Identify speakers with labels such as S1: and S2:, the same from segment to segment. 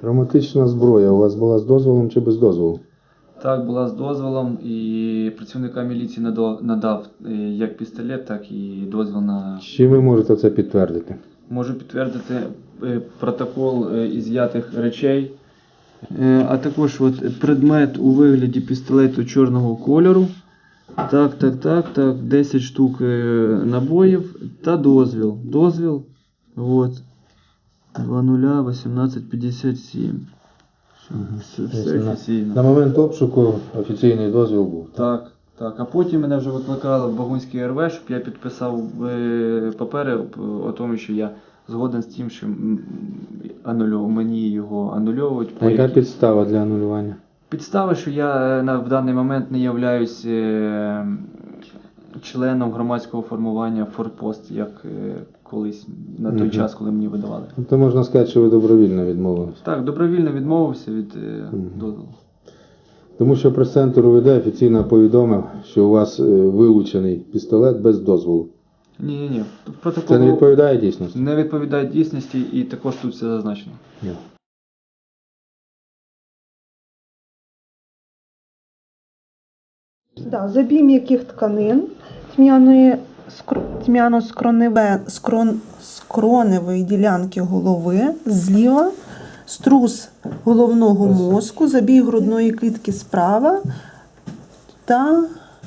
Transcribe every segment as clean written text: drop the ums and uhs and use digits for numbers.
S1: Травматична зброя у вас була з дозволом чи без дозволу?
S2: Так, була з дозволом, і працівникам міліції надав як пістолет, так і дозвіл на...
S1: Чи ви можете це підтвердити?
S2: Можу підтвердити протокол із'ятих речей, а також от предмет у вигляді пістолету чорного кольору. Так, 10 штук набоїв та дозвіл. Дозвіл, от, 001857. Все офіційно.
S1: На момент обшуку офіційний дозвіл був?
S2: Так. А потім мене вже викликали в Багунський РВ, щоб я підписав папери о тому, що я згоден з тим, що мені його анульовують.
S1: А яка підстава для анулювання?
S2: Підстава, що я в даний момент не являюсь членом громадського формування «Форпост», як колись на той час, коли мені видавали.
S1: Тобто можна сказати, що ви добровільно відмовились?
S2: Так, добровільно відмовився від дозволу.
S1: Тому що прес-центр УВД офіційно повідомив, що у вас вилучений пістолет без дозволу.
S2: Ні. Протокол
S1: Це не відповідає дійсності?
S2: не відповідає дійсності, і також тут все зазначено.
S1: Ні.
S3: Да, забій м'яких тканин, тьмяно-скроневої ділянки голови зліва, струс головного мозку, забій грудної клітки справа та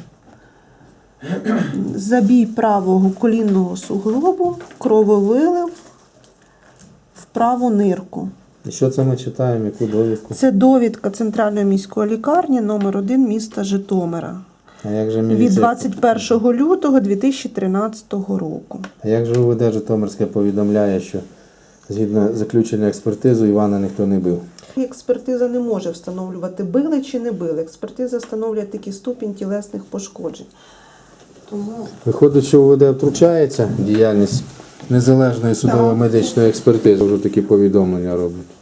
S3: забій правого колінного суглобу, крововилив в праву нирку.
S1: І що це ми читаємо, яку довідку?
S3: Це довідка Центральної міської лікарні номер 1 міста Житомира.
S1: А як же
S3: Від
S1: міліція?
S3: 21 лютого 2013 року.
S1: А як же УВД Житомирське повідомляє, що згідно заключення експертизи Івана ніхто не бив?
S3: Експертиза не може встановлювати, били чи не били. Експертиза встановлює тільки ступінь тілесних пошкоджень. Тому
S1: Виходить, що УВД втручається в діяльність незалежної судово-медичної експертизи, вже такі повідомлення роблять.